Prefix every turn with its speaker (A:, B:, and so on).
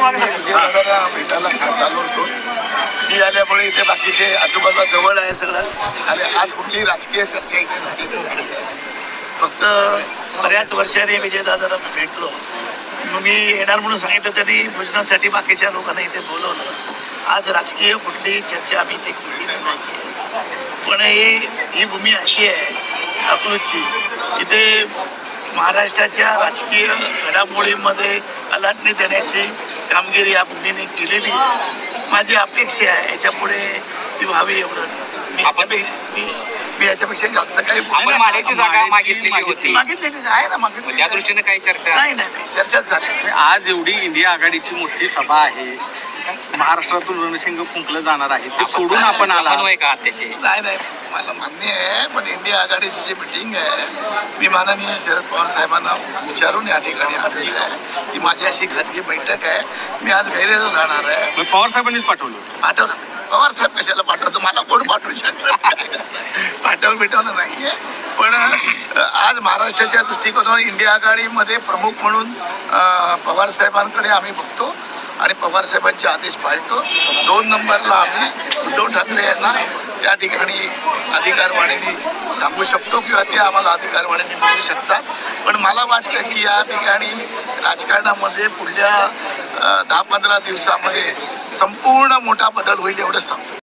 A: विजयदादाला भेटायला खास आलो होतो. मी आल्यामुळे इथे बाकीचे आजूबाजूला जवळ आहे सगळं, आणि आज कुठली राजकीय चर्चा इथे झालेली नाही आहे. फक्त बऱ्याच वर्षांनी विजयदादाला भेटलो. मग मी येणार म्हणून सांगितलं, त्यांनी भोजनासाठी बाकीच्या लोकांना इथे बोलवलं. आज राजकीय कुठली चर्चा आम्ही इथे केलेली नाही. पण ही भूमी अशी आहे अकलूजची, इथे महाराष्ट्राच्या राजकीय घडामोडीमध्ये अलाटणी देण्याची कामगिरी या भूमीने केलेली आहे. माझी अपेक्षा आहे याच्यापुढे ती व्हावी, एवढंच. मी याच्यापेक्षा जास्त काही
B: माड्याची जागा मागितलेली होती,
A: मागितलेली आहे ना, मागितली.
B: त्या दृष्टीने काही चर्चा
A: नाही, चर्चाच झाली.
C: आज एवढी इंडिया आघाडीची मोठी सभा आहे, महाराष्ट्रातून रणशिंग फुंकलं जाणार आहे, ते सोडून आपण आला
B: का त्याचे?
A: नाही, मला मान्य आहे. पण इंडिया आघाडीची जी मिटिंग आहे, मी माननीय शरद पवार साहेबांना विचारून या ठिकाणी आलेली आहे. ती माझी अशी खाजगी बैठक आहे. मी आज गैरेज राहणार आहे.
C: पवार साहेबांनीच पाठवलं.
A: पवार साहेब कशाला पाठवतो? मला कोण पाठवू शकतं? पाठवलं नाहीये. पण आज महाराष्ट्राच्या दृष्टिकोनावर इंडिया आघाडीमध्ये प्रमुख म्हणून पवार साहेबांकडे आम्ही बघतो आणि पवार साहेबांचे आदेश पाळतो. 2 नंबरला आम्ही उद्धव ठाकरे यांना त्या ठिकाणी अधिकारवाणीने सांगू शकतो किंवा ते आम्हाला अधिकारवाणीने बोलू शकतात. पण मला वाटतं की या ठिकाणी राजकारणामध्ये पुढल्या 10-15 दिवसामध्ये संपूर्ण मोठा बदल होईल, एवढंच सांगतो.